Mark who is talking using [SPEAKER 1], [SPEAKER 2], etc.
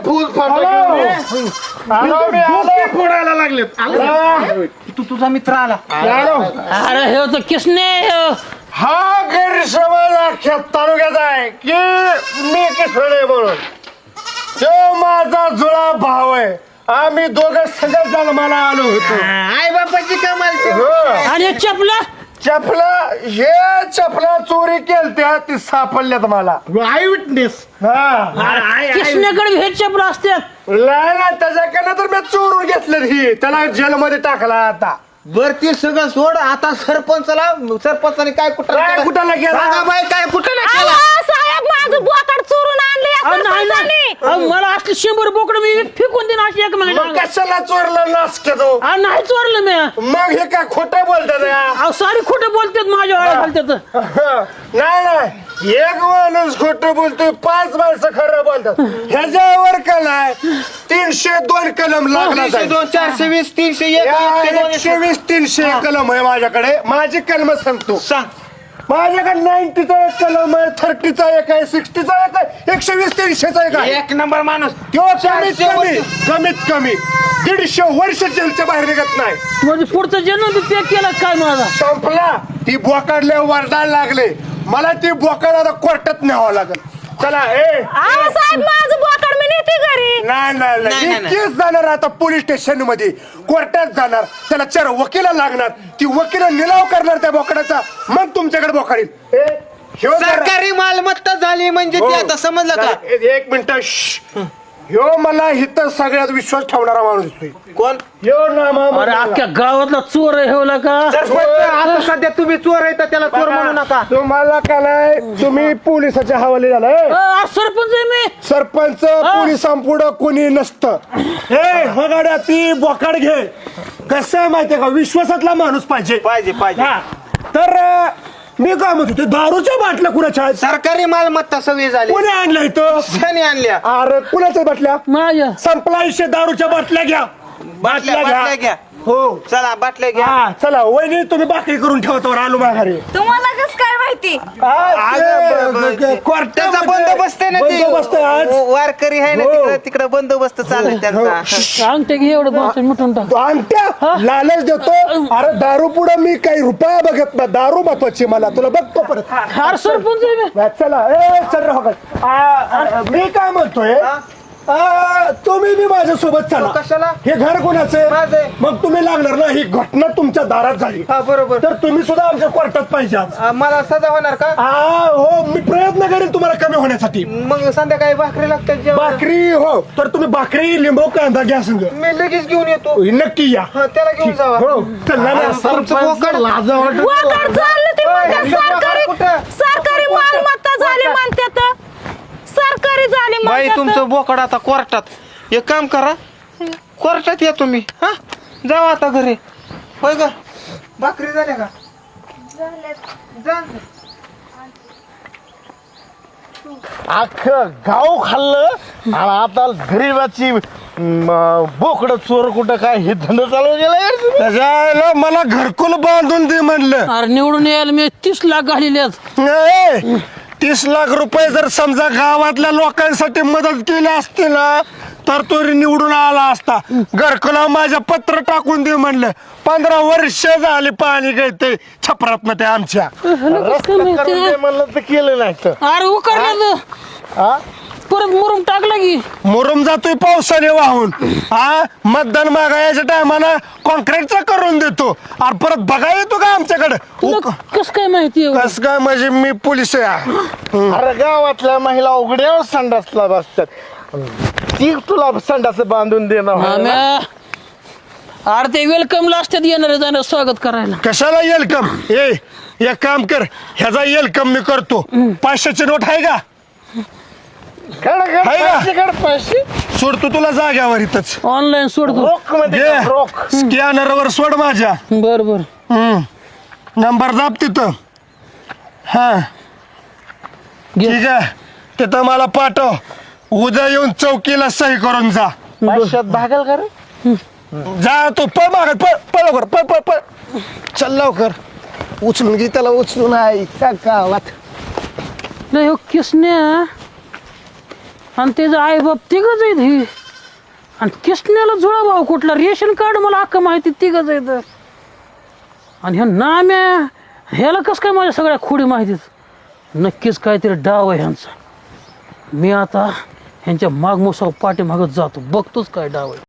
[SPEAKER 1] फूल फोडायला लागले.
[SPEAKER 2] तू तुझा मित्र आला.
[SPEAKER 3] अरे हे तर किसने
[SPEAKER 1] हा गैरसमज अख्ख्या तालुक्याचा आहे की मी किसने म्हणून. तो माझा जुळा भाव आहे. आम्ही दोघं सगळं जन्माला आलो होतो.
[SPEAKER 2] आई बापाची कमाल.
[SPEAKER 1] हो.
[SPEAKER 3] आणि चपला
[SPEAKER 1] चपला चोरी केलत्या ती सापडल्यात मला.
[SPEAKER 2] I witness.
[SPEAKER 3] किसनेकडे हे चपला असतात.
[SPEAKER 1] नाही त्याच्याकडनं तर मी चोरून घेतलं ही. त्याला जेलमध्ये टाकला आता.
[SPEAKER 2] बर ते सगळं सोड. आता सरपंचाने काय
[SPEAKER 1] काय कुठाला गेला
[SPEAKER 2] बाई काय कुठं नाही केला.
[SPEAKER 4] साहेब माझं बोकड चोरून आणले.
[SPEAKER 3] मला असले 100 बोकडं मी फेकून देईन अशी एक
[SPEAKER 1] मग
[SPEAKER 3] महिना.
[SPEAKER 1] कशाला चोरलं नासके तो.
[SPEAKER 3] नाही चोरलं मी.
[SPEAKER 1] मग हे काय खोटं बोलतात या.
[SPEAKER 3] सारी खोटं बोलतात माझ्या वेळा घालतात.
[SPEAKER 1] नाही एक माणूस खोटं बोलतोय 5 माणसं खरं बोलतात. ह्याच्यावर कलाय 302 कलम लागला.
[SPEAKER 2] 420 301
[SPEAKER 1] 120 300 कलम आहे माझ्याकडे. माझी कलम सांगतो.
[SPEAKER 2] सांग.
[SPEAKER 1] माझ्याकडे 90चा एक कलम आहे, 30चा एक आहे, 60चा एक आहे, 120 300चा एक आहे.
[SPEAKER 2] एक नंबर माणूस.
[SPEAKER 1] तो कमीत कमी 150 वर्ष जेलच्या बाहेर निघत नाही.
[SPEAKER 3] म्हणजे पुढचा जन्म बी पॅक केला काय माझा.
[SPEAKER 1] संपला. ती बोकाडले वरडायला लागले. मला ती बोकाड आता कोर्टात न्यावं लागेल. चला
[SPEAKER 4] साहेब माझं बोकड मी नेते घरी.
[SPEAKER 1] नाही केस जाणार आता पोलीस स्टेशन मध्ये, कोर्टात जाणार. त्याला 4 वकील लागणार. ती वकील निलाव करणार त्या बोकडाचा. मग तुमच्याकडे बोकाड येईल.
[SPEAKER 2] सरकारी मालमत्ता झाली म्हणजे ते आता समजलं का.
[SPEAKER 1] 1 मिनिट. ह्यो मला इथं सगळ्यात विश्वास ठेवणारा माणूस दिसतोय.
[SPEAKER 2] कोण.
[SPEAKER 1] ह्यो नामा.
[SPEAKER 3] अरे अख्ख्या गावातला चोर ठेवला का.
[SPEAKER 2] आता सध्या तुम्ही चोर आहे तर त्याला चोर म्हणू नका.
[SPEAKER 1] तुम्हाला काय नाही, तुम्ही पोलिसाच्या हवाले झालाय.
[SPEAKER 3] सरपंच आहे मी.
[SPEAKER 1] सरपंच पोलिसांपुढं कोणी नसतं. हे बघाड्या ती बोकाड घे. कसं आहे माहितीये का, विश्वासातला माणूस पाहिजे. हा. तर मी काय म्हणतो, ते दारूच्या बाटल्या कुणाच्या आहेत?
[SPEAKER 2] सरकारी मालमत्ता सगळी झाली.
[SPEAKER 1] कोणी आणल्या इथं?
[SPEAKER 2] त्याने आणल्या.
[SPEAKER 1] अरे कुणाच्या बाटल्या?
[SPEAKER 3] माझ्या.
[SPEAKER 1] संपला विषय. दारूच्या बाटल्या घ्या.
[SPEAKER 2] बाटल्या घ्या.
[SPEAKER 1] हो
[SPEAKER 2] चला बाटल्या घ्या.
[SPEAKER 1] हा चला वहिनी तुम्ही भाकरी करून ठेवतो. आलो माघारी.
[SPEAKER 4] तुम्हाला कसं काय माहिती.
[SPEAKER 2] त्याचा बंदोबस्त आहे ना ते.
[SPEAKER 1] बंदोबस्त आहे आज.
[SPEAKER 2] वारकरी आहे ना
[SPEAKER 1] हो.
[SPEAKER 2] तिकडे तिकडे बंदोबस्त चालू आहे त्यांचा.
[SPEAKER 3] अंगठे घे एवढं भाषण मिटून टाक.
[SPEAKER 1] आणत्या लालच देतो. अरे दारू पुढे मी काही रुपया बघत नाही. दारू महत्वाची मला. तुला बघतो परत.
[SPEAKER 3] हार सरपंच आहे मी.
[SPEAKER 1] चला चल मी काय म्हणतोय, तुम्ही बी माझ्या सोबत चला.
[SPEAKER 2] कशाला.
[SPEAKER 1] हे घर कोणाचं
[SPEAKER 2] माझं.
[SPEAKER 1] मग तुम्ही लागणार ना. ही घटना तुमच्या दारात झाली.
[SPEAKER 2] हा बरोबर.
[SPEAKER 1] तर तुम्ही सुद्धा आमच्या कोर्टात पाहिजे आज.
[SPEAKER 2] मला सजा होणार का.
[SPEAKER 1] हो मी प्रयत्न करेन तुम्हाला कमी होण्यासाठी.
[SPEAKER 2] मग संध्याकाळी भाकरी लागतात जेवण.
[SPEAKER 1] भाकरी हो. तर तुम्ही भाकरी लिंबू कांदा घ्या संग.
[SPEAKER 2] मी लगेच घेऊन येतो.
[SPEAKER 1] नक्की या.
[SPEAKER 2] त्याला घेऊन जावा.
[SPEAKER 1] हो चल ना.
[SPEAKER 4] बोकड चाललं ते म्हणतात सरकारी मालमत्ता झाली म्हणतात. सरकारी झाली
[SPEAKER 2] बाई
[SPEAKER 4] म्हणतात.
[SPEAKER 2] तुमचं बोकड आता कोर्टात. एक काम करा, कोर्टात या तुम्ही. हा जावा आता घरी. होय ग. भाकरी झाल्या का. जा.
[SPEAKER 5] अख्खं गाव खाल्लं आणि आता गरीबाची बोकड चोर कुठं काय हे धंदा चालू गेला.
[SPEAKER 1] त्याच्याला मला घरकुल बांधून दे म्हणलं.
[SPEAKER 3] अरे निवडून यायला मी 30 लाख घालेले आहेत.
[SPEAKER 1] 30 लाख रुपये जर समजा गावातल्या लोकांसाठी मदत केली असती ना तर तो निवडून आला असता. घरकुला माझ्या पत्र टाकून दे म्हणलं. 15 वर्ष झाली पाणी गळते छपरात ते आमच्या.
[SPEAKER 5] म्हणलं तर केलं नाही तर.
[SPEAKER 3] अरे उकारलं परत मुरुम टाकला की.
[SPEAKER 1] मुरुम जातोय पावसाने वाहून. मतदान मागायच्या टायमाला कॉन्क्रीटचा करून देतो आणि परत बघा येतो का आमच्याकडे.
[SPEAKER 3] कस काय माहिती.
[SPEAKER 1] कस काय म्हणजे मी पोलीस आहे.
[SPEAKER 5] अरे गावातल्या महिला उघड्यावर संडासला बसतात. ती तुला संडास बांधून देणार.
[SPEAKER 3] अरे ते वेलकमला असतात येणार जाणार स्वागत करायला.
[SPEAKER 1] कशाला वेलकम. एक काम कर, ह्याचा वेलकम मी करतो. 500ची नोट आहे का.
[SPEAKER 5] पैसे
[SPEAKER 1] सोडतो तुला जाग्यावर इथंच.
[SPEAKER 3] ऑनलाईन सोडतो.
[SPEAKER 5] रोख मध्ये रोख.
[SPEAKER 1] स्कॅनरवर सोड माझ्या.
[SPEAKER 3] बर बर.
[SPEAKER 1] नंबर दाब तिथं. हा ठीक आहे. तिथं मला पाठव. उद्या येऊन चौकीला सही करून जा.
[SPEAKER 5] पैशात भागल का रे.
[SPEAKER 1] जा तू पळ मागत. पळ लवकर. पळ चल लवकर. उचलून घे त्याला. उचलून आहे गावात.
[SPEAKER 3] नाही हो किसने आणि त्याचं आई बाप तिघच आहेत ही. आणि किसण्याला जुळा भाऊ कुठला रेशन कार्ड मला अख्खा माहिती तिघच आहेत. आणि ह्या नाम्या ह्याला कसं काय माझ्या सगळ्या खोडी माहितीच. नक्कीच काहीतरी डाव आहे ह्यांचा. मी आता ह्यांच्या मागमोसाव पाठीमागत जातो, बघतोच काय डाव आहे.